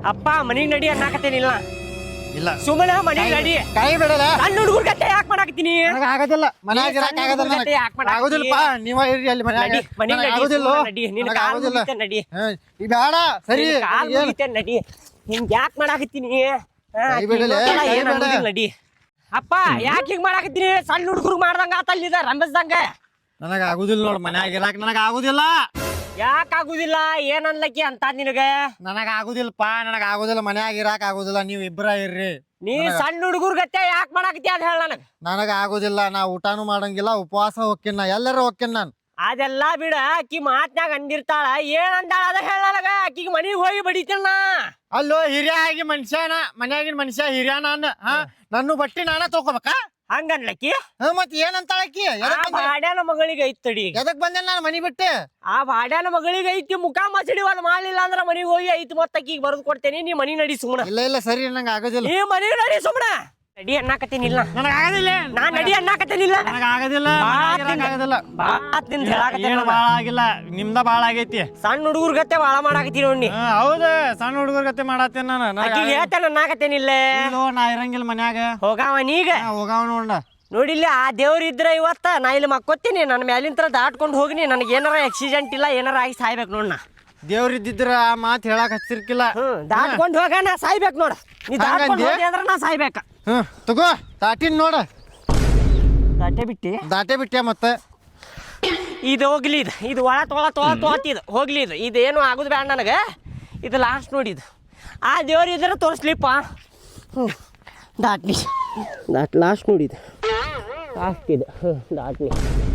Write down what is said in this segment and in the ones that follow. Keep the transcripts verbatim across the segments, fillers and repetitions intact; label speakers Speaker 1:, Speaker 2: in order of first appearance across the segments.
Speaker 1: ಅಪ್ಪ ಮನಿಗ್ ನಡಿ ಅನ್ನಕತ್ತೇನಿಲ್ಲ
Speaker 2: ಇಲ್ಲ
Speaker 1: ಸುಮ್ಮನೆ ಮನಿಗ್ ನಡಿ
Speaker 2: ಕೈ ಬಿಡಲ್ಲ
Speaker 1: ಸಣ್ಣ ಹುಡುಗರ ಗತ್ತೆ ಯಾಕೆ ಮಾಡಾಕತ್ತೀನಿ
Speaker 2: ನನಗೆ ಆಗೋದಿಲ್ಲ ಮನ್ಯಾಗ ಇರಕ್ಕೆ ಆಗೋದಿಲ್ಲ
Speaker 1: ಗತೆ ಯಾಕೆ ಮಾಡಾಕತ್ತೀನಿ
Speaker 2: ಆಗೋದಿಲ್ಲಪ್ಪ ನೀವ ಇರ್ರಿ ಅಲ್ಲಿ ಮನ್ಯಾಗ
Speaker 1: ನಡಿ ಮನಿಗ್ ನಡಿ
Speaker 2: ಆಗೋದಿಲ್ಲ
Speaker 1: ನಡಿ ನಿನ್ನ
Speaker 2: ನನಗೆ
Speaker 1: ಕಾಲು
Speaker 2: ಆಗೋದಿಲ್ಲ
Speaker 1: ಮುಗಿತೆ ನಡಿ
Speaker 2: ಈ ಬೇಡ ಸರಿ
Speaker 1: ಕಾಲು ಮುಗಿತೆ ನಡಿ ಹಿಂಗ್ ಯಾಕೆ ಮಾಡಾಕತ್ತೀನಿ
Speaker 2: ಕೈ ಬಿಡಲೆ, ಕೈ
Speaker 1: ಏನ್
Speaker 2: ಬಿಡ.
Speaker 1: ಅನ್ನೋದಿಲ್ಲ ನಡಿ ಅಪ್ಪ ಯಾಕೆ ಹಿಂಗ್ ಮಾಡಾಕತ್ತೀನಿ ಸಣ್ಣ ಹುಡುಗರು ಮಾಡ್ದಂಗ ಆತಲ್ಲಿದ ರಂಬಸ್ದಂಗ
Speaker 2: ನನಗೆ ಆಗುದಿಲ್ಲ ನೋಡ್ ಮನ್ಯಾಗ ಇರಾಕ ನನಗೆ ಆಗುದಿಲ್ಲ
Speaker 1: ಯಾಕೆ ಆಗುದಿಲ್ಲ ಏನ್ ಅನ್ಲಕ್ಕಿ ಅಂತ ನಿನಗ
Speaker 2: ನನಗೆ ಆಗುದಿಲ್ಲಪ್ಪ ನನಗೆ ಆಗುದಿಲ್ಲ ಮನ್ಯಾಗ ಇರಾಕ ಆಗುದಿಲ್ಲ ನೀವು ಇಬ್ಬರ ಇರ್ರಿ
Speaker 1: ನೀ ಸಣ್ಣ ಹುಡುಗರ ಗತ್ತೆ ಯಾಕೆ ಮಾಡಾಕತ್ತಿ ಅದ್ ಹೇಳ ನನಗ
Speaker 2: ನನಗೆ ಆಗುದಿಲ್ಲ ನಾ ಊಟಾನು ಮಾಡಂಗಿಲ್ಲ ಉಪವಾಸ ಹೋಗ್ತೀನಿ ನಾ ಎಲ್ಲರೂ ಹೋಗ್ತೀನಿ ನಾನು
Speaker 1: ಅದೆಲ್ಲ ಬಿಡ ಅಕ್ಕಿ ಮಾತ್ನಾಗ ಅಂದಿರ್ತಾಳ ಏನ್ ಅಂದಾಳ ಅದ ಹೇಳ ನನಗ ಅಕ್ಕಿಗೆ ಮನಿಗ್ ಹೋಗಿ ಬಡಿತೇನ
Speaker 2: ಅಲ್ಲೋ ಹಿರಿಯ ಆಗಿ ಮನುಷ್ಯನ ಮನ್ಯಾಗಿನ ಮನುಷ್ಯ ಹಿರಿಯ ನಾನು ಹಾ ನನ್ನ ಬಟ್ಟಿ ನಾನ ತಗೋಬೇಕಾ
Speaker 1: ಹಂಗನ್ಲಕ್ಕಿ
Speaker 2: ಹಾ ಮತ್ ಏನಂತಾಳಕ್ಕಿ
Speaker 1: ಆ ಬಾಡ್ಯಾನ ಮಗಳಿಗೆ ಐತ್ ತಡಿ
Speaker 2: ಎದಕ್ ಬಂದೆ ನಾನು ಮನಿ ಬಿಟ್ಟು
Speaker 1: ಆ ಬಾಡ್ಯಾನ ಮಗಳಿಗೆ ಐತಿ ಮುಖ ಮಸಡಿ ಒಂದ್ ಮಾಡ್ಲಿಲ್ಲ ಅಂದ್ರ ಮನಿಗ್ ಹೋಗಿ ಐತಿ ಮತ್ತ ಅಕ್ಕಿಗೆ ಬರೆದು ಕೊಡ್ತೇನಿ ನೀ ಮನಿ ನಡಿ ಸುಮ್ಮನ
Speaker 2: ಇಲ್ಲ ಇಲ್ಲ ಸರಿ ನಂಗೆ ಆಗೋದಿಲ್ಲ
Speaker 1: ನೀ ಮನಿ ನಡಿ ಸುಮ್ಮನ ನಡಿ ಅನ್ನಕತ್ತೇನಿಲ್ಲ
Speaker 2: ನನಗೆ ಆಗೋದಿಲ್ಲ
Speaker 1: ನಾನ್ ನಡಿ ಅನ್ನಕತ್ತೇನಿಲ್ಲ
Speaker 2: ನನಗೆ ಆಗೋದಿಲ್ಲ ಆಗೋದಿಲ್ಲ
Speaker 1: ಬಾತ್ ನಿಂದ ಹೇಳಾಕತ್ತೇನ
Speaker 2: ಏನು ಭಾಳ ಆಗಿಲ್ಲ ನಿಮ್ದ ಭಾಳ ಆಗೈತಿ
Speaker 1: ಸಣ್ಣ ಹುಡುಗರ ಗತ್ತೆ ಬಾಳ ಮಾಡಾಕತ್ತೀನಿ ನೋಡಿ
Speaker 2: ಹಾ, ಹೌದು ಸಣ್ಣ ಹುಡುಗರ ಗತೆ ಮಾಡತ್ತೇನ ನಾನು ನನಗೆ
Speaker 1: ಅಕ್ಕಿಗೆ ಹೇಳ್ತೇನೆ ಅನ್ನಕತ್ತೇನಿಲ್ಲ
Speaker 2: ಇಲ್ಲೋ, ನಾ ಇರಂಗಿಲ್ಲ ಮನ್ಯಾಗ
Speaker 1: ಹೋಗಾವ ನೀಗ
Speaker 2: ನಾ ಹೋಗಾವ ನೋಡ
Speaker 1: ನೋಡಿಲ್ಲ ಆ ದೇವ್ರ ಇದ್ರ ಇವತ್ತ ನಾ ಇಲ್ಲಿ ಮಕ್ಕೋತೀನಿ ನನ್ನ ಮ್ಯಾಲಿಂತ್ರ ದಾಟ್ಕೊಂಡು ಹೋಗಿನಿ ನನಗೆ ಏನಾರ ಆಕ್ಸಿಡೆಂಟ್ ಇಲ್ಲ ಏನಾರ ಆಗಿ ಸಾಯ್ಬೇಕು ನೋಡ್ ನಾ
Speaker 2: ದೇವ್ರ ಇದ್ದಿದ್ರ ಆ ಮಾತು ಹೇಳಕ್ ಹಚ್ಚಿರ್ಕಿಲ್ಲ
Speaker 1: ಹ್ಮ್ ದಾಟ್ಕೊಂಡು ಹೋಗ ನಾ ಸಾಯ್ಬೇಕು ನೋಡ ನೀ ದಾಟ್ಕೊಂಡು ಹೋಗಿ ಅಂದ್ರೆ ನಾ ಸಾಯ್ಬೇಕ
Speaker 2: ಹ್ಮ್ ತಗೋ ತಾಟಿನ್ ನೋಡ
Speaker 1: ದಾಟೆ ಬಿಟ್ಟಿ
Speaker 2: ದಾಟೆ ಬಿಟ್ಟೆ ಮತ್ತೆ
Speaker 1: ಇದು ಹೋಗ್ಲಿ ಇದು ಇದು ಒಳ ತೊಳ ತೊಳ ತೊಳತಿದು ಹೋಗ್ಲಿ ಇದು ಇದೇನು ಆಗುದು ಬೇಡ ನನಗೆ ಇದು ಲಾಸ್ಟ್ ನೋಡಿದು ಆ ದೇವ್ರ ಇದ್ರೆ ತೋರಿಸ್ಲಿಪ್ಪ ಹ್ಞೂ ದಾಟ್ಲಿ ದಾಟ್ ಲಾಸ್ಟ್ ನೋಡಿದು ಲಾಸ್ಟ್ ಇದು ಹ್ಞೂ ದಾಟ್ಲಿ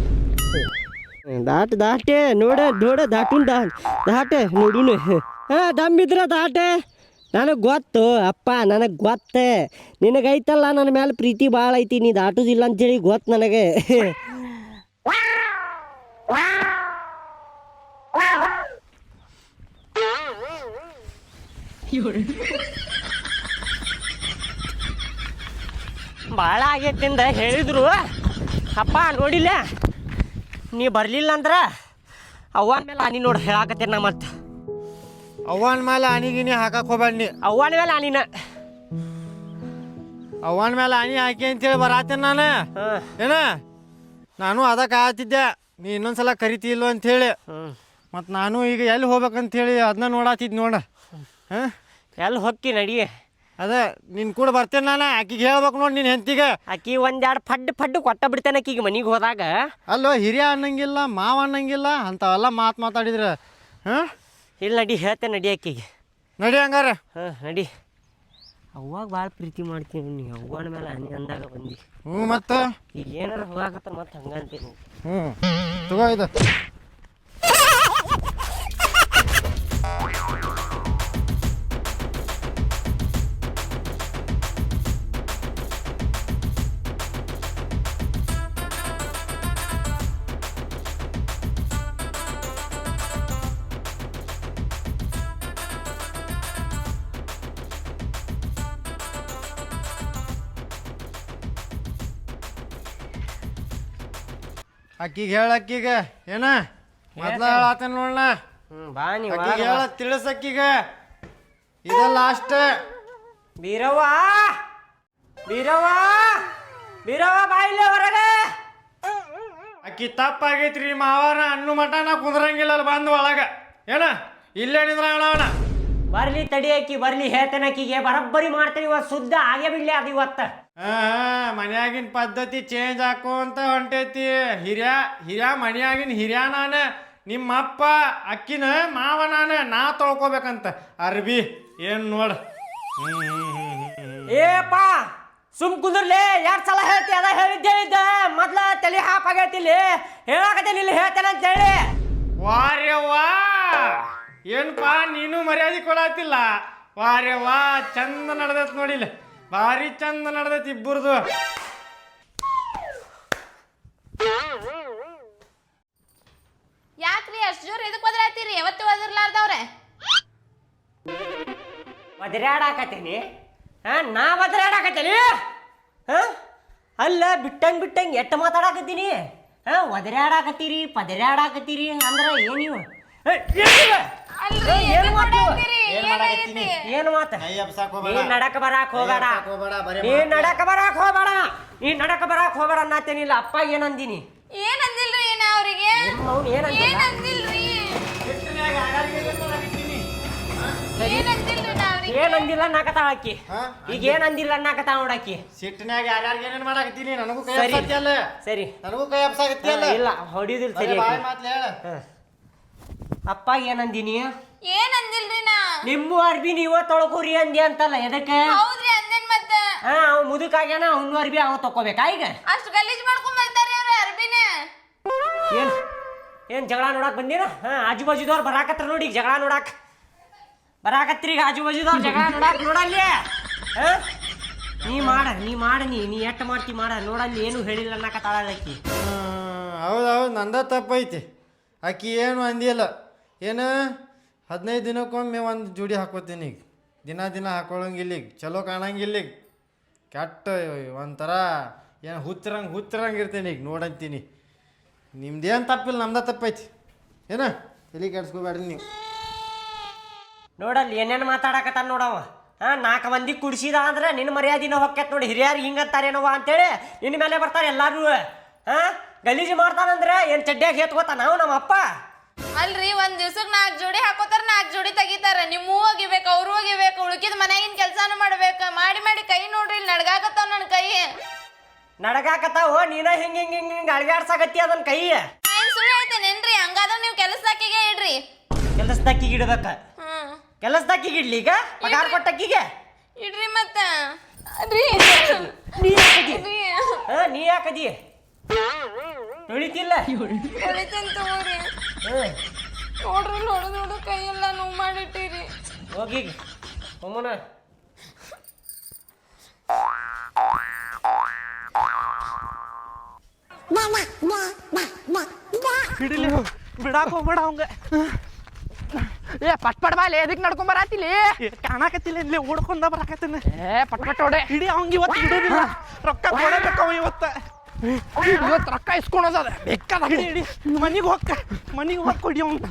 Speaker 1: ದಾಟ್ ದಾಟೆ ನೋಡ ನೋಡ ದಾಟುನ್ ದಾ ದಾಟೆ ನೋಡುನು ಹಾಂ ದಮ್ಮಿದ್ರ ದಾಟೆ ನನಗೆ ಗೊತ್ತು ಅಪ್ಪ ನನಗೆ ಗೊತ್ತೆ ನಿನಗೈತಲ್ಲ ನನ್ನ ಮೇಲೆ ಪ್ರೀತಿ ಭಾಳ ಐತಿ ನೀ ದಾಟುದಿಲ್ಲ ಅಂತೇಳಿ ಗೊತ್ತು ನನಗೆ ಭಾಳ ಆಗೈತಿಂದ ಹೇಳಿದ್ರು ಅಪ್ಪ ನೋಡಿಲ್ಲ ನೀ ಬರಲಿಲ್ಲ ಅಂದ್ರೆ ಅವ್ವನ ಮೇಲೆ ಆನಿ ನೋಡಿ ಹೇಳಾಕತ್ತೇನೆ ನಾ ಮತ್ತೆ
Speaker 2: ಅವ್ವನ ಮೇಲೆ ಆನಿ ಗಿನಿ ಹಾಕಕ್ ಹೋಗ್ಬೇಡ ನೀ
Speaker 1: ಅವ್ವನ ಮೇಲೆ ಆನಿನ
Speaker 2: ಅವ್ವನ ಮೇಲೆ ಆನಿ ಹಾಕಿ ಅಂತೇಳಿ ಬರಾತೇನೆ ನಾನು
Speaker 1: ಹಾಂ
Speaker 2: ಏನ ನಾನು ಅದಕ್ಕೆ ಆತಿದ್ದೆ ನೀ ಇನ್ನೊಂದ್ಸಲ ಕರಿತಿಲ್ವ ಅಂತೇಳಿ
Speaker 1: ಹ್ಞೂ
Speaker 2: ಮತ್ತು ನಾನು ಈಗ ಎಲ್ಲಿ ಹೋಗ್ಬೇಕಂತೇಳಿ ಅದನ್ನ ನೋಡಾತಿದ್ ನೋಡ ಹಾಂ
Speaker 1: ಎಲ್ಲಿ ಹೊಕ್ಕಿ ನಡಿ
Speaker 2: ಅದೇ ನಿನ್ ಕೂಡ ಬರ್ತೇನೆ ನಾನು ಆಕಿಗೆ ಹೇಳ್ಬೇಕು ನೋಡಿ ನಿನ್ನ ಹೆಂಡತಿಗೆ
Speaker 1: ಆಕಿ ಒಂದೆರಡು ಫಡ್ ಫಡ್ ಕೊಟ್ಟ ಬಿಡ್ತೇನೆ ಆಕಿಗೆ ಮನೆಗೆ ಹೋದಾಗ
Speaker 2: ಅಲ್ಲೋ ಹಿರಿಯ ಅನ್ನಂಗಿಲ್ಲ ಮಾವ ಅನ್ನಂಗಿಲ್ಲ ಅಂಥವೆಲ್ಲ ಮಾತು ಮಾತಾಡಿದ್ರೆ ಹಾಂ
Speaker 1: ಇಲ್ಲಿ ನಡಿ ಹೇಳ್ತೇನೆ ನಡಿ ಆಕಿಗೆ
Speaker 2: ನಡಿ ಹಂಗಾರ
Speaker 1: ಹಾಂ ನಡಿ ಅವಾಗ ಭಾಳ ಪ್ರೀತಿ ಮಾಡ್ತೀನಿ ನೀ ಅವ್ವನ ಮೇಲೆ ಹನಿ ಅಂದಾಗ ಬಂದು
Speaker 2: ಹ್ಞೂ ಮತ್ತು
Speaker 1: ಈಗ ಏನಾರ ಹೋಗಾಕತ್ತ ಮತ್ತೆ ಹಂಗಂತೀನಿ
Speaker 2: ಹ್ಞೂ ತಗೋ ಇದು ಅಕ್ಕಿಗೆ ಹೇಳ ಅಕ್ಕಿಗೆ ಏನ ಮೊದ್ಲ ಹೇಳತ್ತೇನೆ ನೋಡಣ
Speaker 1: ಹ್ಞೂ ಬಾ ನೀವು
Speaker 2: ಅಕ್ಕಿಗೆ ಹೇಳ ತಿಳಿಸ್ ಅಕ್ಕಿಗೆ ಇದ ಲಾಸ್ಟ್
Speaker 1: ಬೀರವ್ವ ಬೀರವ್ವ ಬೀರವ್ವ ಬಾಯಿಲೆ ಹೊರಗೆ
Speaker 2: ಅಕ್ಕಿ ತಪ್ಪಾಗೈತ್ರಿ ಮಾವಾರ ಅನ್ನು ಮಟ ನಾ ಕುಂದ್ರಂಗಿಲ್ಲ ಅಲ್ಲಿ ಬಂದು ಒಳಗ ಏನ ಇಲ್ಲೇ ನಿಂದ್ರ ಅಣ್ಣ
Speaker 1: ಬರ್ಲಿ ತಡಿ ಆಕಿ ಬರ್ಲಿ ಹೇಳ್ತೇನೆ ಆಕಿಗೆ ಬರಬ್ಬರಿ ಮಾಡ್ತೇನೆ ಇವತ್ತು ಶುದ್ಧ ಆಗೇ ಬಿಡ್ಲಿ ಅದು ಇವತ್ತು
Speaker 2: ಹಾ ಮನ್ಯಾಗಿನ ಪದ್ಧತಿ ಚೇಂಜ್ ಹಾಕೋಂತ ಹೊಂಟೈತಿ ಹಿರಿಯ ಹಿರಿಯ ಮನ್ಯಾಗಿನ ಹಿರಿಯ ನಾನ ನಿಮ್ಮಪ್ಪ ಅಕ್ಕಿನ ಮಾವ ನಾನ ನಾ ತೊಳ್ಕೊಬೇಕಂತ ಅರ್ಬಿ ಏನ್ ನೋಡ
Speaker 1: ಏಪ್ಪ ಸುಮ್ ಕುಂದ್ರಲಿ ಎರಡು ಸಲ ಹೇಳ್ತಿ ಅದ ಹೇಳಿದ್ದೆ ಹೇಳಿದ್ದ ಮೊದ್ಲ ತಲೆ ಹಾಪ್ ಆಗೈತಿಲ್ಲಿ ಹೇಳಾಕತ್ತೇನೆ ಇಲ್ಲಿ ಹೇಳ್ತೇನೆ ಅಂತ ಹೇಳಿ
Speaker 2: ವಾರ್ಯ ವಾ ಏನ್ಪಾ ನೀನು ಮರ್ಯಾದೆ ಕೊಡತ್ತಿಲ್ಲ ವಾರ್ಯ ವಾ ಚಂದ ನಡ್ದೈತಿ ನೋಡಿಲ್ಲ ಭಾರಿ ಚಂದ ನಡ್ದೈತಿ ಇಬ್ಬರದು
Speaker 3: ಯಾಕ್ರಿ ಅಷ್ಟು ಜೋರ್ ಎದಕ್ ಬದಲಾಯ್ತೀರಿ ಯಾವತ್ತು ಬದರ್ಲಾರ್ದವ್ರೆ
Speaker 1: ಒದರಾಡಾಕತ್ತೇನಿ ಹಾ ನಾ ಒದರಾಡಾಕತ್ತೇನಿ ಹಾ ಅಲ್ಲ ಬಿಟ್ಟಂಗ್ ಬಿಟ್ಟಂಗ್ ಎಟ್ಟು ಮಾತಾಡಕತ್ತೀನಿ ಹಾ ಒದರಾಡಾಕತ್ತೀರಿ ಪದರಾಡಾಕತ್ತೀರಿ ಅಂದ್ರೆ ಏನಿವು
Speaker 3: ಅಲ್ರಿ, ಎದಕ್ ಹೊಡ್ಯಾತ್ತೀರಿ?
Speaker 2: ಏನ್ ಮಾಡಾಕತ್ತೀನಿ
Speaker 1: ಏನು ಮಾತ
Speaker 2: ಕೈ ಎಬ್ಸಾಕ್ ಹೋಗ್ಬೇಡ.
Speaker 1: ನೀನ್ ನಡಕ ಬರಾಕ್ ಹೋಗಬೇಡ
Speaker 2: ಕೈ ಎಬ್ಸಾಕ್ ಹೋಗ್ಬೇಡ, ಬರೀ
Speaker 1: ನೀನ್ ನಡಕ ಬರಾಕ್ ಹೋಗಬೇಡ ನೀನ್ ನಡಕ ಬರಾಕ್ ಹೋಗಬೇಡ ಅನ್ನತ್ತೇನಿಲ್ಲ ಅಪ್ಪ ಏನಂದಿನಿ
Speaker 3: ಏನ್ ಅಂದಿಲ್ರಿ ಏನ ಅವ್ರಿಗೆ
Speaker 1: ಅವ್ನು ಏನಂದಿಲ್ಲ
Speaker 3: ಏನ್ ಅಂದಿಲ್ರಿ
Speaker 2: ಸಿಟ್ಟಿನ್ಯಾಗ ಆಗಾರಿಗೆ ಏನ್ ಮಾಡಾಕತ್ತೀನಿ?
Speaker 3: ಏನ್ ಅಂದಿಲ್ರಿ ನಾ ಅವ್ರಿಗೆ
Speaker 1: ಏನಂದಿಲ್ಲ ಅನ್ನಕತ್ತಾಳ ಆಕಿ
Speaker 2: ಹಾ?
Speaker 1: ಈಗ ಏನಂದಿಲ್ಲ ಅನ್ನಕತ್ತಾಳ ನೋಡಾಕಿ
Speaker 2: ಸಿಟ್ಟಿನ್ಯಾಗ ಯಾರ್ಯಾರಿಗೆ ಏನೇನ್ ಮಾಡಾಕತ್ತೀನಿ ನನಗೂ ಕೈ
Speaker 1: ಸರಿ.
Speaker 2: ಎಬ್ಸಾಕತ್ತಿಯಲ್ಲ
Speaker 1: ಸರಿ
Speaker 2: ನನಗೂ ಕೈ ಎಬ್ಸಾಕತ್ತಿಯಲ್ಲ
Speaker 1: ಇಲ್ಲ ಹೊಡಿಯೋದಿಲ್ಲ
Speaker 2: ಬರೀ
Speaker 1: ಸರಿ
Speaker 2: ಬಾಯಿ
Speaker 1: ಆಕಿ.
Speaker 2: ಮಾತ್ಲೆ ಹೇಳ
Speaker 1: ಹಾ. ಅಪ್ಪ ಏನಂದಿನಿ
Speaker 3: ಏನ್ ಅಂದಿಲ್ರಿ ನಾ
Speaker 1: ನಿಮ್ಮ ಅರ್ಬಿ ನೀವ ತೊಳ್ಕೊರಿ ಅಂದಿ ಅಂತಲ್ಲ ಎದಕ್ಕೆ
Speaker 3: ಹೌದ್ರಿ ಅಂದೇನ್ ಮತ್ತ
Speaker 1: ಹಾ ಅವ್ ಮುದುಕಾಗ್ಯಾನ ಅವ್ನು ಅರ್ಬಿ ಅವ ತಕೋಬೇಕಾ ಈಗ
Speaker 3: ಅಷ್ಟ್ ಗಲೀಜ್ ಮಾಡ್ಕೊಂಡ್ ಬರ್ತಾರಿ ಅವ್ರ ಅರ್ಬಿನ
Speaker 1: ಏನ್ ಏನ್ ಜಗಳ ನೋಡಕ್ ಬಂದಿರ ಹಾ ಆಜು ಬಾಜುದವ್ರು ಬರಾಕತ್ರ ನೋಡಿ ಈಗ ಜಗಳ ನೋಡಕ್ ಬರಾಕತ್ರಿ ಈಗ ಆಜು ಬಾಜುದವ್ರು ಜಗಳ ನೋಡಕ್ ನೋಡಲ್ಲಿ ಹಾ ನೀ ಮಾಡ ನೀ ಮಾಡ ನೀ ನೀ ಎಟ್ಟು ಮಾಡ್ತಿ ಮಾಡ ನೋಡಲ್ಲಿ ಏನು ಹೇಳಿಲ್ಲ ಅನ್ನಕತ್ತಾಳ ಆಕಿ
Speaker 2: ಹೌದು ಹೌದು ನಂದ ತಪ್ಪೈತಿ ಆಕಿ ಏನು ಅಂದಿಲ್ಲ ಏನು ಹದಿನೈದು ದಿನಕ್ಕೊಮ್ಮೆ ಒಂದು ಜೋಡಿ ಹಾಕೋತೀನಿ ಈಗ ದಿನ ದಿನ ಹಾಕೊಳ್ಳಂಗಿಲ್ಲ ಈಗ ಚಲೋ ಕಾಣಂಗಿಲ್ಲ ಈಗ ಕೆಟ್ಟ ಒಂಥರ ಏನು ಹುಚ್ಚರಂಗೆ ಹುಚ್ಚರಂಗೆ ಇರ್ತೀನಿ ಈಗ ನೋಡಂತೀನಿ ನಿಮ್ದೇನು ತಪ್ಪಿಲ್ಲ ನಮ್ದ ತಪ್ಪೈತಿ ಏನ ತಲೆ ಕೆಡ್ಸ್ಕೊಬೇಡ್ರಿ ನೀವು
Speaker 1: ನೋಡಲ್ಲಿ ಏನೇನು ಮಾತಾಡಕತ್ತಾನ ನೋಡವ ಹಾ ನಾಲ್ಕು ಮಂದಿ ಕುಡ್ಸಿದ ಅಂದ್ರೆ ನಿನ್ನ ಮರ್ಯಾದಿನ ಹೊಕ್ಕೈತ್ ನೋಡಿ ಹಿರಿಯರು ಹಿಂಗಂತಾರೇನವ ಅಂತೇಳಿ ನಿನ್ನ ಮೇಲೆ ಬರ್ತಾರೆ ಎಲ್ಲಾರು ಹಾ ಗಲೀಜು ಮಾಡ್ತಾನಂದ್ರೆ ಏನು ಚಡ್ಡಿಯಾಗ ಹೇತ್ಕೋತ ನಾವು ನಮ್ಮ ಅಪ್ಪ
Speaker 3: ಅಲ್ರಿ ಒಂದ್ ದಿವ್ಸಕ್ ನಾಲ್ಕ್ ಜೋಡಿ ಹಾಕೋತಾರ ನಾಲ್ಕ್ ಜೋಡಿ ತೆಗಿತಾರ ನಿಮ್ಮೂ ಒಗಿಬೇಕು ಅವ್ರು ಒಗಿಬೇಕು ಉಳ್ಕಿದ್ ಮನ್ಯಾಗಿನ ಕೆಲ್ಸಾನು ಮಾಡ್ಬೇಕ ಮಾಡಿ ಮಾಡಿ ಕೈ ನೋಡ್ರಿ ಇಲ್ಲಿ ನಡ್ಗಾಕತ್ತಾವ ನನ್ ಕೈ
Speaker 1: ನಡಗಾಕತ್ತಾವ ನೀನ ಹಿಂಗ ಹಿಂಗ ಹಿಂಗ ಹಿಂಗ ಅಳಗಾಡ್ಸಾಕತ್ತಿ ಅದನ್ನ ಕೈ
Speaker 3: ಏನ್ ಸುಳ್ಳು ಹೇಳ್ತೇನೇನ್ರಿ ಹಂಗಾದ್ರ ನೀವು ಕೆಲಸದಾಕಿಗೆ ಇಡ್ರಿ
Speaker 1: ಕೆಲಸದಕ್ಕಿಗೆ ಇಡ್ಬೇಕ
Speaker 3: ಹ್ಮ್
Speaker 1: ಕೆಲಸದಕ್ಕಿಗೆ ಇಡ್ಲಿ ಈಗ ಪಗಾರ ಕೊಟ್ಟಕ್ಕಿಗೆ
Speaker 3: ಇಡ್ರಿ ಮತ್ತ ರೀ
Speaker 1: ನೀ ಯಾಕದಿ
Speaker 3: ರೀ
Speaker 1: ಹಾ ನೀ ಯಾಕದಿ ತೊಳಿತಿಲ್ಲ
Speaker 3: ಹೊಡಿತೇನ್ ತಗೋರಿ
Speaker 1: ಹ್ಮ್
Speaker 3: ನೋಡ್ರಿ ನೋಡು ನೋಡು ಕೈ ಎಲ್ಲ ನೋವು ಮಾಡಿಟ್ಟಿರಿ
Speaker 1: ಹೋಗಿ ಒಮ್ಮನ
Speaker 4: ಹಿಡಿಲಿ ಬಿಡಾಕ್ ಹೋಗ್ಬೇಡ ಅವಂಗ
Speaker 5: ಏ ಪಟ್ ಪಟ್ ಬಾಲೆ ಎದಕ್ ನಡ್ಕೊಂಡ್ ಬರಾತಿಲಿ
Speaker 4: ಕಾಣಕತ್ತಿಲ್ಲ ಇಲ್ಲಿ ಓಡ್ಕೊಂಡ ಬರಾಕತ್ತೀನಿ
Speaker 5: ಏ ಪಟ್ ಪಟ್ ಹೊಡೆ
Speaker 4: ಹಿಡಿ ಅವಂಗ ಇವತ್ತು ಹಿಡಿದಿಲ್ಲ ರೊಕ್ಕ ಕೊಡಬೇಕು ಅವ ಇವತ್ತ
Speaker 5: ಇವತ್ತು ರೊಕ್ಕ ಇಸ್ಕೊಳೋದ ಬೇಕಾದ
Speaker 4: ಹಿಡಿ ಹಿಡಿ ಮನಿಗೆ ಹೋಗ್ಕ ಮನಿಗೆ ಹೋಗಿ ಕೊಡಿ ಅವಂಗ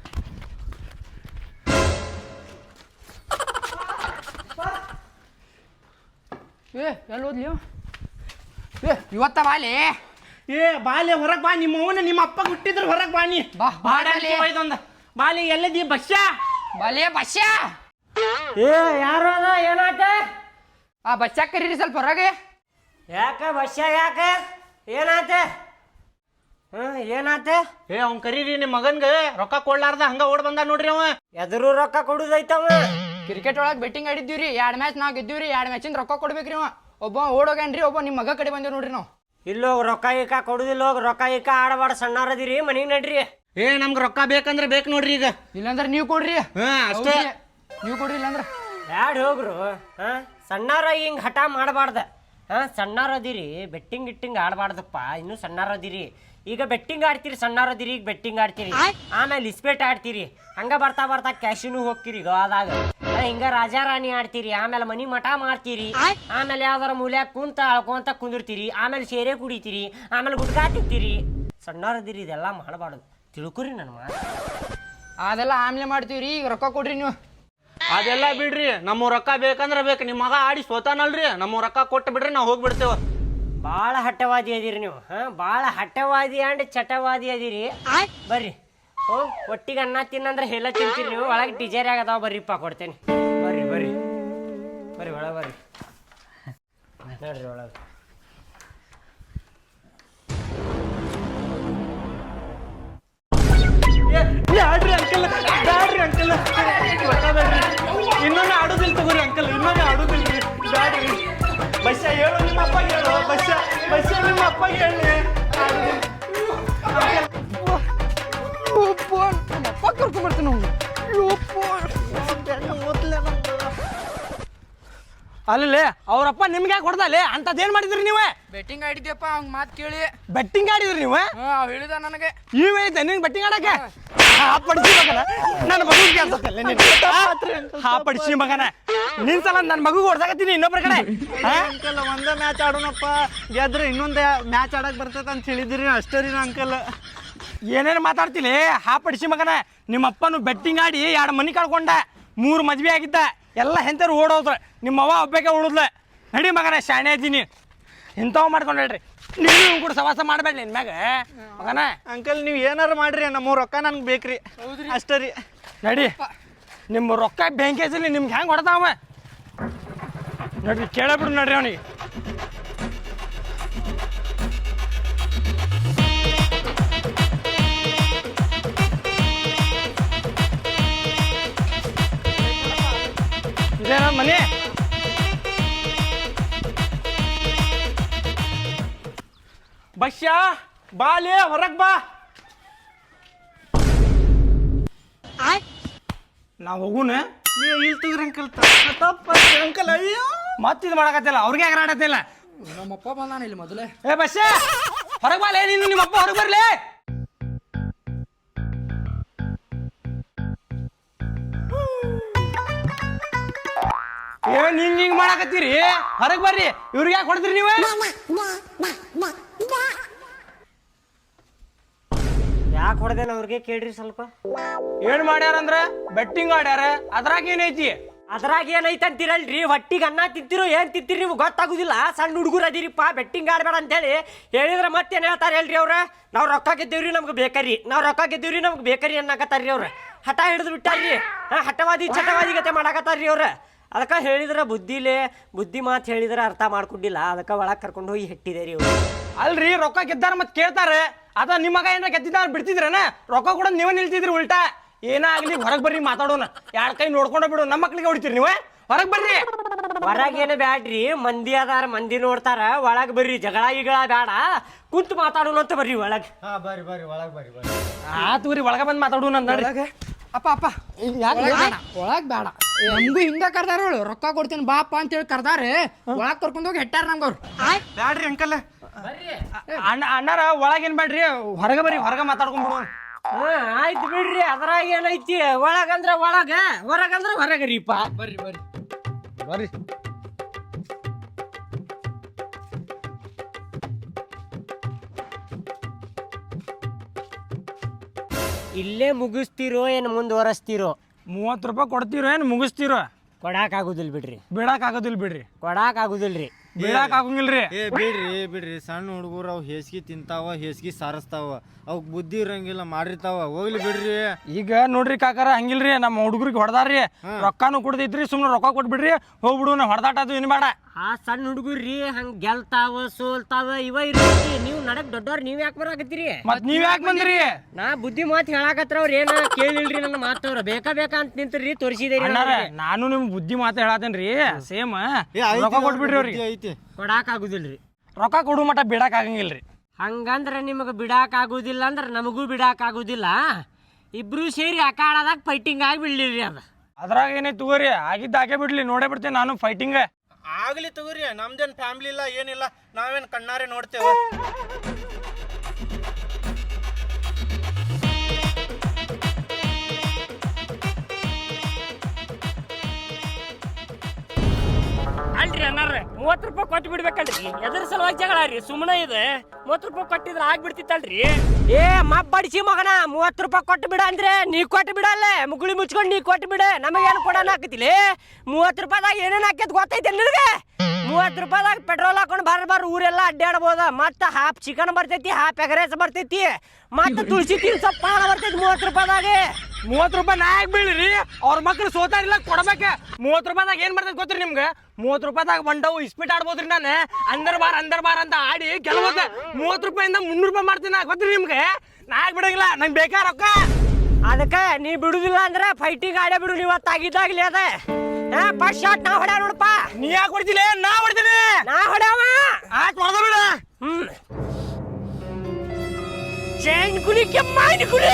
Speaker 5: ಏ ಎಲ್ಲಿ ಹೋದ್ಲಿ ಇವ? ಏ ಇವತ್ತ ಬಾಲೆ
Speaker 4: ಏ ಬಾಲೆ ಹೊರಗೆ ಬಾ ನಿಮ್ಮ ಅವನ ನಿಮ್ಮ ಅಪ್ಪ ಹುಟ್ಟಿದ್ರು ಹೊರಗೆ ಬಾನಿ
Speaker 5: ಬಾ,
Speaker 4: ಬಾಡಲ್ಲಿ
Speaker 5: ಬಾಡಲಿ.
Speaker 4: ಒಯ್ದೊಂದ ಬಾಲಿ ಎಲ್ಲದಿ ಬಸ್ಸಾ
Speaker 5: ಬಾಲೆ ಬಸ್ಯ
Speaker 1: ಏ ಯಾರು ಅದ ಏನಾತ
Speaker 5: ಆ ಬಸ್ಯಾಗ ಕರೀರಿ ಸ್ವಲ್ಪ ಹೊರಗೆ
Speaker 1: ಯಾಕ ಬಸ್ಸ ಯಾಕ ಏನಾತ ಹ್ಮ್ ಏನಾತ
Speaker 4: ಏ ಅವ್ನ್ ಕರೀರಿ ನಿಮ್ಮ ಮಗನ್ಗೆ ರೊಕ್ಕ ಕೊಡ್ಲಾರ್ದ ಹಂಗ ಓಡ್ ಬಂದ ನೋಡ್ರಿ ಅವ
Speaker 1: ಎದುರು ರೊಕ್ಕ ಕೊಡುದೈತವ
Speaker 5: ಕ್ರಿಕೆಟ್ ಒಳಗೆ ಬೆಟ್ಟಿಂಗ್ ಆಡಿದ್ದೀವ್ರಿ ಎರಡು ಮ್ಯಾಚ್ ನಾವು ಗೆದ್ದೀವ್ರಿ ಎರಡು ಮ್ಯಾಚಿಂದ ರೊಕ್ಕ ಕೊಡ್ಬೇಕ್ರಿ ಅವ ಒಬ್ಬ ಓಡೋಗ್ಯಾನ್ರಿ ಒಬ್ಬ ನಿಮ್ಮ ಮಗ ಕಡೆ ಬಂದೇವ್ ನೋಡ್ರಿ ನಾವು
Speaker 1: ಇಲ್ಲೋಗ ರೊಕ್ಕ ಈಕ ಕೊಡುದಿಲ್ಲ ಹೋಗಿ ರೊಕ್ಕ ಈಕ ಆಡಬಾಡ ಸಣ್ಣಾರದಿರಿ ಮನಿಗೆ ನಡ್ರಿ
Speaker 4: ಏ ನಮ್ಗೆ ರೊಕ್ಕ ಬೇಕಂದ್ರೆ ಬೇಕು ನೋಡ್ರಿ ಈಗ
Speaker 5: ಇಲ್ಲಾಂದ್ರೆ ನೀವು ಕೊಡ್ರಿ
Speaker 4: ಹಾ ಅಷ್ಟೇ
Speaker 5: ಹೌದ್ರಿ. ನೀವು ಕೊಡ್ರಿ ಇಲ್ಲಾಂದ್ರೆ
Speaker 1: ಬ್ಯಾಡ ಹೋಗ್ರು ಹಾ ಸಣ್ಣಾರ ಹಿಂಗೆ ಹಠ ಮಾಡಬಾರ್ದ ಹಾ ಸಣ್ಣಾರದಿರಿ ಬೆಟ್ಟಿಂಗ್ ಗಿಟ್ಟಿಂಗ್ ಆಡಬಾರ್ದಪ್ಪ ಇನ್ನೂ ಸಣ್ಣಾರದಿರಿ ಈಗ ಬೆಟ್ಟಿಂಗ್ ಆಡ್ತೀರಿ ಸಣ್ಣಾರದಿರಿ ಈಗ ಬೆಟ್ಟಿಂಗ್ ಆಡ್ತೀರಿ ಆಮೇಲೆ ಇಸ್ಪೇಟ್ ಆಡ್ತೀರಿ ಹಂಗ ಬರ್ತಾ ಬರ್ತಾ ಕ್ಯಾಶಿನೂ ಹೋಗ್ತೀರಿ ಗೋವಾದಾಗ ಹಿಂಗ ರಾಜಾರಾಣಿ ಆಡ್ತೀರಿ ಆಮೇಲೆ ಮನಿ ಮಠ ಮಾಡ್ತೀರಿ ಆಮೇಲೆ ಯಾವ್ದಾರ ಮೂಲ್ಯಾಗ ಕುಂತ ಅಳ್ಕೊಂತ ಕುಂದಿರ್ತೀರಿ ಆಮೇಲೆ ಸೇರೆ ಕುಡಿತೀರಿ ಆಮೇಲೆ ಗುಟ್ಕಾ ತಿಂತೀರಿ ಸಣ್ಣಾರದಿರಿ ಇದೆಲ್ಲ ಮಾಡಬಾರ್ದು ತಿಳ್ಕೊರಿ ನನ್ನ ಮಾತು
Speaker 5: ಅದೆಲ್ಲ ಆಮ್ಲೆ ಮಾಡ್ತೀವ್ರಿ ಈಗ ರೊಕ್ಕ ಕೊಡ್ರಿ ನೀವು
Speaker 4: ಅದೆಲ್ಲ ಬಿಡ್ರಿ ನಮ್ಮ ರೊಕ್ಕ ಬೇಕಂದ್ರೆ ಬೇಕು ನಿಮ್ಮ ಮಗ ಆಡಿ ಸೋತಾನಲ್ರಿ ನಮ್ಮ ರೊಕ್ಕ ಕೊಟ್ಟು ಬಿಡ್ರಿ ನಾವು ಹೋಗ್ಬಿಡ್ತೇವ
Speaker 1: ಭಾಳ ಹಠವಾದಿ ಅದೀರಿ ನೀವು ಹಾ ಭಾಳ ಹಠವಾದಿ ಅಂಡ್ ಚಟವಾದಿ ಅದೀರಿ ಬರ್ರಿ ಓ ಒಟ್ಟಿಗೆ ಅನ್ನ ತಿನ್ನಂದ್ರೆ ಎಲ್ಲ ತಿಂತೀರಿ ನೀವು ಒಳಗೆ ಟಿಜರಿ ಆಗದಾವ ಬರ್ರಿಪ್ಪ ಕೊಡ್ತೇನೆ ಬರ್ರಿ ಬರ್ರಿ ಬರ್ರಿ ಒಳಗೆ ಬರ್ರಿ ನೋಡ್ರಿ ಒಳಗೆ
Speaker 4: ಬ್ಯಾಡ್ರಿ ಅಂಕಲ್ ಬ್ಯಾಡ್ರಿ ಅಂಕಲ್ ಇನ್ನೊಂದು ಆಡೋದಿಲ್ಲ ತಗೋರಿ ಅಂಕಲ್ ಇನ್ನೊಂದು ಆಡೋದಿಲ್ರಿ ಬ್ಯಾಡ್ರಿ ಬಸ್ಸ ಹೇಳು ನಿಮ್ಮ ಅಪ್ಪ ಹೇಳು ಬಸ್ಸ ಬಸ್ಸ ನಿಮ್ಮ ಅಪ್ಪ ಹೇಳಿ
Speaker 5: ಅಪ್ಪ ಕರ್ಕೊಂಡ್ಬರ್ತೀನಿ ಅವ್ನು
Speaker 4: ಅಲ್ಲೇ ಅವ್ರಪ್ಪ ನಿಮ್ಗೆ ಯಾಕೆ ಹೊಡೆದಲ್ಲೇ ಅಂತದೇನ್ ಮಾಡಿದ್ರಿ ನೀವೇ
Speaker 5: ಬೆಟ್ಟಿಂಗ್ ಆಡಿದ್ಯಪ್ಪ ಅವ್ನ ಮಾತು ಕೇಳಿ
Speaker 4: ಬೆಟ್ಟಿಂಗ್ ಆಡಿದ್ರಿ ನೀವು
Speaker 5: ಹಾ ಅವ್ ಹೇಳಿದ ನನಗೆ
Speaker 4: ಇವ ಐತೆ ನಿಂಗೆ ಬೆಟ್ಟಿಂಗ್ ಆಡಕ್ಕೆ ಹಾ ಪಡಿಸಿ ಮಗನ ನನ್ನ ಮಗು ಕೇಳ್ಸತ್ತಲ್ಲ ನೀನು ಹಾ ಪಡಿಸಿ ಮಗನ ನಿನ್ ಸಲ ನನ್ನ ಮಗು ಹೊಡ್ಸಾಕತ್ತೀನಿ ಇನ್ನೊಬ್ರ ಕಡೆ ಅಂಕಲ್ ಒಂದೇ ಮ್ಯಾಚ್ ಆಡೋಣಪ್ಪ ಗೆದ್ರೆ ಇನ್ನೊಂದೇ ಮ್ಯಾಚ್ ಆಡಕ್ ಬರ್ತೈತೆ ಅಂತ ಹೇಳಿದ್ರಿ ಅಷ್ಟೇ ರೀ ಅಂಕಲ್ ಏನೇನು ಮಾತಾಡ್ತಿಲಿ ಹಾ ಪಡಿಸಿ ಮಗನ ನಿಮ್ಮ ಅಪ್ಪನು ಬೆಟ್ಟಿಂಗ್ ಆಡಿ ಎರಡು ಮನಿ ಕಳ್ಕೊಂಡ ಮೂರು ಮದ್ವೆ ಆಗಿದ್ದ ಎಲ್ಲ ಹೆಂತರು ಓಡೋದ್ರ ನಿಮ್ಮ ಅವ್ವ ಒಬ್ಬಕ್ಕೆ ಉಳಿದ್ಲ ನಡಿ ಮಗನ ಶಾಣೆ ಇದ್ದೀನಿ ಇಂಥವು ಮಾಡ್ಕೊಂಡು ಹೇಳ್ರಿ ನೀವು ಕೂಡ ಸವಾಸ ಮಾಡಬೇಡ್ರಿ ನಿನ್ನ ಮ್ಯಾಗ ಮಗನ
Speaker 6: ಅಂಕಲ್ ನೀವು ಏನಾರು ಮಾಡ್ರಿ ನಮ್ಮ ರೊಕ್ಕ ನನ್ಗೆ ಬೇಕ್ರಿ ಅಷ್ಟೇ ರೀ
Speaker 4: ನಡಿ ನಿಮ್ಮ ರೊಕ್ಕ ಬ್ಯಾಂಕೇಜಲ್ಲಿ ನಿಮ್ಗೆ ಹೆಂಗೆ ಹೊಡೆದಾವ ನೋಡ್ರಿ ಕೇಳಬಿಡು ನೋಡ್ರಿ ಅವನಿಗೆ ಇದೇನ ಮನೆ ಬಸ್ಯ ಬಾಲೆ ಹೊರಗ್ ಬಾ ನಾವು ಹೋಗುನ
Speaker 6: ನೀವು ಇಲ್ಲಿ ತಗ್ರಿ ಅಂಕಲ್ ತಪ್ಪ ಅಂಕಲ್ ಅಯ್ಯೋ
Speaker 4: ಮತ್ತಿದು ಮಾಡಕತ್ತಿಲ್ಲ ಅವ್ರಿಗೆ ಆಗರಾಡತ್ತಿಲ್ಲ
Speaker 5: ನಮ್ಮಪ್ಪ ಬಂದಾನ ಇಲ್ಲಿ ಮೊದಲೇ
Speaker 4: ಏ ಬಸ್ಯ ಹೊರಗೆ ಬಾಲೆ ನೀನು ನಿಮ್ಮಪ್ಪ ಹೊರಗೆ ಬರ್ಲಿ ಏನ್ ಹಿಂಗ್ ಹಿಂಗ್ ಮಾಡಕತ್ತೀರಿ ಹೊರಗೆ ಬರ್ರಿ ಇವ್ರಿಗೆ ಯಾಕೆ ಹೊಡೆದ್ರಿ ನೀವು
Speaker 1: ಯಾಕೆ ಹೊಡೆದೇನ ಅವ್ರಿಗೆ ಕೇಳ್ರಿ ಸ್ವಲ್ಪ
Speaker 4: ಏನ್ ಮಾಡ್ಯಾರಂದ್ರ ಬೆಟ್ಟಿಂಗ್ ಆಡ್ಯಾರ ಅದ್ರಾಗ ಏನೈತಿ
Speaker 1: ಅದ್ರಾಗ ಏನೈತೆ ಅಂತೀರಲ್ರಿ ಹೊಟ್ಟಿಗೆ ಅನ್ನ ತಿಂತಿರೋ ಏನ್ ತಿಂತೀರಿ ನೀವು ಗೊತ್ತಾಗುದಿಲ್ಲ ಸಣ್ಣ ಹುಡುಗರು ಅದಿರಿಪ್ಪ ಬೆಟ್ಟಿಂಗ್ ಆಡ್ಬೇಡ ಅಂತೇಳಿ ಹೇಳಿದ್ರೆ ಮತ್ತೇನು ಹೇಳ್ತಾರೆ ಹೇಳ್ರಿ ಅವ್ರ ನಾವು ರೊಕ್ಕ ಗೆದ್ದೇವ್ರಿ ನಮ್ಗೆ ಬೇಕರಿ ನಾವು ರೊಕ್ಕ ಗೆದ್ದೇವ್ರಿ ನಮ್ಗೆ ಬೇಕರಿ ಅನ್ನಕತ್ತಾರ್ರಿ ಅವ್ರ ಹಠ ಹಿಡಿದು ಬಿಟ್ಟಾರ್ರಿ ಹಾ ಹಠವಾದಿ ಚಟವಾದಿ ಗತೆ ಮಾಡಾಕತ್ತಾರ್ರಿ ಅವ್ರ ಅದಕ್ಕೆ ಹೇಳಿದ್ರೆ ಬುದ್ಧಿಲೇ ಬುದ್ಧಿ ಮಾತು ಹೇಳಿದ್ರೆ ಅರ್ಥ ಮಾಡ್ಕೊಂಡಿಲ್ಲ ಅದಕ್ಕೆ ಒಳಗೆ ಕರ್ಕೊಂಡು ಹೋಗಿ ಹೆಟ್ಟಿದೆ ರೀ ಅವ್ರು
Speaker 4: ಅಲ್ರಿ ರೊಕ್ಕ ಗೆದ್ದಾರ ಮತ್ ಕೇಳ್ತಾರೆ ಅದ ನಿಮ್ಮ ಮಗ ಏನಾರ ಗೆದ್ದಿದ್ದ ಬಿಡ್ತಿದ್ರೇನ ರೊಕ್ಕ ಕೂಡ ನೀವೇ ನಿಲ್ತಿದ್ರಿ ಉಲ್ಟಾ ಏನಾಗ್ಲಿ ಹೊರಗೆ ಬರ್ರಿ ಮಾತಾಡೋಣ ಯಾರ ಕೈ ನೋಡ್ಕೊಂಡ ಬಿಡು ನಮ್ಮ ಮಕ್ಳಿಗೆ ಹೊಡಿತೀರಿ ನೀವು ಹೊರಗೆ ಬರ್ರಿ
Speaker 1: ಹೊರಗೇನು ಬ್ಯಾಡ್ರಿ ಮಂದಿ ಅದಾರ ಮಂದಿ ನೋಡ್ತಾರ ಒಳಗೆ ಬರ್ರಿ ಜಗಳ ಗಿಗಳ ಬೇಡ ಕುಂತು ಮಾತಾಡೋಣ ಅಂತ ಬರ್ರಿ ಒಳಗೆ
Speaker 2: ಹಾ ಬರ್ರಿ ಬರ್ರಿ ಒಳಗ್ ಬರ್ರಿ ಬರ್ರಿ
Speaker 4: ಆತು ರೀ ಒಳಗೆ ಬಂದು ಮಾತಾಡೋಣ ಅಂತ ನೋಡ್ರಿ
Speaker 5: ಅಪ್ಪ ಅಪ್ಪ ಒಳಗ್ ಬೇಡ ನಮಗೂ ಹಿಂಗ ಕರ್ದಾರ ಹೇಳು ರೊಕ್ಕ ಕೊಡ್ತೀನಿ ಬಾಪ ಅಂತೇಳಿ ಕರ್ದಾರೆ ಒಳಗ್ ಕರ್ಕೊಂಡು ಹೋಗಿ ಹೆಟ್ಟಾರ ನಮ್ಗೆ ಅವ್ರು
Speaker 6: ಬ್ಯಾಡ್ರಿ ಅಂಕಲ್
Speaker 4: ಅಣ್ಣ ಅಣ್ಣಾರ ಒಳಗೇನ್ ಬೇಡ್ರಿ ಹೊರಗೆ ಬರ್ರಿ ಹೊರಗೆ ಮಾತಾಡ್ಕೊಂಡ್ಬಿಡು
Speaker 1: ಹಾ ಆಯ್ತು ಬಿಡ್ರಿ ಅದ್ರಾಗ ಏನೈತಿ ಒಳಗಂದ್ರ ಒಳಗ ಹೊರಗಂದ್ರ ಹೊರಗರಿಪ್ಪ
Speaker 5: ಬರ್ರಿ ಬರ್ರಿ
Speaker 4: ಬರ್ರಿ
Speaker 1: ಇಲ್ಲೇ ಮುಗಿಸ್ತಿರೋ ಏನು ಮುಂದುವರೆಸ್ತಿರೋ
Speaker 4: ಮೂವತ್ತು ರೂಪಾಯಿ ಕೊಡ್ತೀರೋ ಏನು ಮುಗಿಸ್ತೀರೋ
Speaker 1: ಕೊಡಾಕ್ ಆಗುದಿಲ್ಲ ಬಿಡ್ರಿ
Speaker 4: ಬಿಡಾಕ್ ಆಗೋದಿಲ್ಲ ಬಿಡ್ರಿ
Speaker 1: ಕೊಡಾಕ್ ಆಗುದಿಲ್ರಿ
Speaker 4: ಬಿಡಾಕ್ ಆಗಂಗಿಲ್ರಿ
Speaker 2: ಏ ಬಿಡ್ರಿ ಬಿಡ್ರಿ ಸಣ್ಣ ಹುಡುಗರು ಅವು ಹೇಸ್ಗಿ ತಿಂತಾವ ಹೇಸ್ಗಿ ಸಾರಿಸ್ತಾವ ಅವಕ್ ಬುದ್ಧಿ ಇರಂಗಿಲ್ಲ ಮಾಡಿರ್ತಾವ ಹೋಗ್ಲಿ ಬಿಡ್ರಿ
Speaker 4: ಈಗ ನೋಡ್ರಿ ಕಾಕಾರ ಹಂಗಿಲ್ರಿ ನಮ್ಮ ಹುಡುಗರಿಗೆ ಹೊಡೆದಾರ್ರಿ ರೊಕ್ಕಾನು ಕೊಡ್ದೈತ್ರಿ ಸುಮ್ಮನೆ ರೊಕ್ಕ ಕೊಟ್ಬಿಡ್ರಿ ಹೋಗ್ಬಿಡು ನಾ ಹೊಡೆದಾಟ ಅದು ಏನು ಬೇಡ
Speaker 1: ಆ ಸಣ್ಣ ಹುಡುಗರ್ರಿ ಹಂಗ ಗೆಲ್ತಾವ ಸೋಲ್ತಾವ ಇವ ಇರ್ತೈತಿ ನೀವು ನಡಕ್ ದೊಡ್ಡವ್ರ ನೀವ್ ಯಾಕೆ ಬರಾಕತ್ತೀರಿ
Speaker 4: ಮತ್ ನೀವ್ ಯಾಕೆ ಬಂದ್ರಿ
Speaker 1: ನಾ ಬುದ್ಧಿ ಮಾತು ಹೇಳಾಕತ್ರ ಅವ್ರ ಏನ ಕೇಳಿಲ್ರಿ ನನ್ನ ಮಾತವ್ರ ಬೇಕಾ ಬೇಕಾ ಅಂತ ನಿಂತ್ರಿ ತೋರಿಸಿದೇರಿ
Speaker 4: ಅಣ್ಣಾರ ನಾನು ನಿಮ್ ಬುದ್ಧಿ ಮಾತು ಹೇಳತ್ತೇನ್ರಿ ಸೇಮ್
Speaker 2: ಏ ಐತಿ
Speaker 4: ರೊಕ್ಕ ಕೊಟ್ಬಿಡ್ರಿ
Speaker 2: ಬುದ್ಧಿ
Speaker 4: ಅವ್ರಿಗೆ
Speaker 2: ಐತಿ
Speaker 1: ಕೊಡಾಕ್ ಆಗುದಿಲ್ರಿ
Speaker 4: ರೊಕ್ಕ ಕೊಡು ಮಟ ಬಿಡಾಕ್ ಆಗಂಗಿಲ್ರಿ
Speaker 1: ಹಂಗಂದ್ರೆ ನಿಮಗೆ ಬಿಡಾಕ್ ಆಗುದಿಲ್ಲ ಅಂದ್ರೆ ನಮಗೂ ಬಿಡಾಕ್ ಆಗುದಿಲ್ಲ ಇಬ್ರು ಸೇರಿ ಅಕಾಡದಾಗ ಫೈಟಿಂಗ್ ಆಗಿ ಬಿಡ್ಲಿರಿ ಅದ
Speaker 4: ಅದ್ರಾಗ ಏನೈತಿ ತಗೋರಿ ಆಗಿದ್ದ ಹಾಕೇ ಬಿಡ್ಲಿ ನೋಡೇ ಬಿಡ್ತೇನೆ ನಾನು ಫೈಟಿಂಗ್
Speaker 6: ಆಗ್ಲಿ ತಗೋರಿ ನಮ್ದೇನ್ ಫ್ಯಾಮಿಲಿ ಇಲ್ಲ ಏನಿಲ್ಲ ನಾವೇನ್ ಕಣ್ಣಾರೆ ನೋಡ್ತೇವೆ
Speaker 1: ಅಲ್ರಿ ಅನ್ನಾರ ಮೂವತ್ತು ರೂಪಾಯಿ ಕೊಟ್ಟು ಬಿಡ್ಬೇಕಲ್ರಿ ಎದ್ರ ಸಲುವಾಗಿ ಜಗಳ ರೀ ಸುಮ್ಮನೆ ಇದೆ ಮೂವತ್ತು ರೂಪಾಯಿ ಕೊಟ್ಟಿದ್ರೆ ಆಗ್ಬಿಡ್ತಿತ್ತಲ್ರಿ ಏ ಮಬ್ಬಡಿಸಿ ಮಗನ ಮೂವತ್ತು ರೂಪಾಯಿ ಕೊಟ್ಟು ಬಿಡ ಅಂದ್ರೆ ನೀ ಕೊಟ್ಟು ಬಿಡಲ್ಲ ಮುಗುಳಿ ಮುಚ್ಕೊಂಡು ನೀ ಕೊಟ್ಟು ಬಿಡ ನಮಗೇನು ಕೊಡೋಣ ಹಾಕತಿಲಿ ಮೂವತ್ತು ರೂಪಾಯಿದಾಗ ಏನೇನು ಹಾಕ್ಯದ ಗೊತ್ತೈತೆ ನಿನಗೆ ಮೂವತ್ತು ರೂಪಾಯಿದಾಗ ಪೆಟ್ರೋಲ್ ಹಾಕೊಂಡು ಬಾರ ಬಾರ ಊರೆಲ್ಲ ಅಡ್ಡಾಡ್ಬೋದ ಮತ್ತೆ ಹಾಫ್ ಚಿಕನ್ ಬರ್ತೈತಿ ಹಾಫ್ ಎಗರೇಸ್ ಬರ್ತೈತಿ ಮತ್ತೆ ತುಳಸಿ ತೀನ್ ಸೊಪ್ಪ ಬರ್ತೈತಿ ಮೂವತ್ತು ರೂಪಾಯಿದಾಗ
Speaker 4: ಮೂವತ್ತು ರೂಪಾಯಿ ನಾ ಯಾಕೆ ಬೀಳ್ರಿ ಅವ್ರ ಮಕ್ಳು ಸೋತಾರಿಲ್ಲ ಕೊಡ್ಬೇಕ ಮೂವತ್ತು ರೂಪಾಯಿದಾಗ ಏನ್ ಬರ್ತೈತಿ ಗೊತ್ತ್ರಿ ನಿಮ್ಗೆ ಮೂವತ್ತು ರೂಪಾಯಿದಾಗ ಬಂಡವು ಇಸ್ಪಿಟ್ ಆಡ್ಬೋದ್ರಿ ನಾನು ಅಂದರ್ ಬಾರ್ ಅಂದರ್ ಬಾರ್ ಅಂತ ಆಡಿ ಗೆಲ್ಬೋದ ಮೂವತ್ತು ರೂಪಾಯಿಂದ ಮುನ್ನೂರು ರೂಪಾಯಿ ಮಾಡ್ತೀನಿ ಗೊತ್ತ್ರಿ ನಿಮ್ಗೆ ನಾ ಯಾಕೆ ಬಿಡಂಗಿಲ್ಲ ನಂಗೆ ಬೇಕಾ ರೊಕ್ಕ
Speaker 1: ಅದಕ್ಕೆ ನೀ ಬಿಡುದಿಲ್ಲ ಅಂದ್ರೆ ಫೈಟಿಂಗ್ ಆಡೇ ಬಿಡು ನೀವು ತಾಗಿದ್ದಾಗ್ಲಿ ಅದ ಫಸ್ಟ್ ಶಾಟ್ ನಾ ಹೊಡ್ಯಾವ ನೋಡಪ್ಪ
Speaker 4: ನೀ ಯಾಕೆ ಹೊಡಿತಿಲ್ಲ ನಾ ಹೊಡಿತೀನಿ
Speaker 1: ನಾ ಹೊಡ್ಯಾವ
Speaker 4: ಆಯ್ತು ಹೊಡೆದ ಬಿಡ
Speaker 1: ಹ್ಮ್ ಚೈನ್ ಕುಲಿಕ್ಕೆ ಮೈನ್ ಕುಲಿ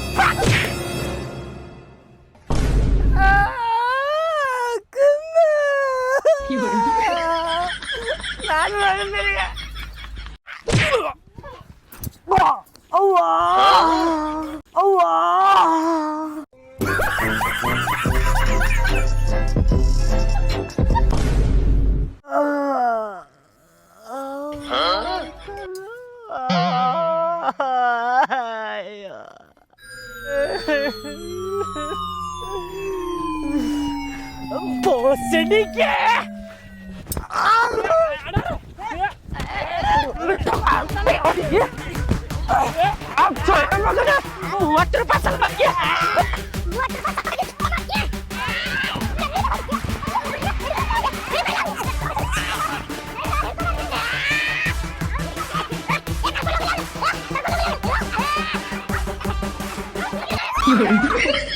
Speaker 1: ನಾನು ಅವ್ವ ಅವ್ವ ಸಿಡಿಕೆ ಮೂವತ್ತು ರೂಪಾಯಿ ಸಲ್ವಾಗಿ
Speaker 7: You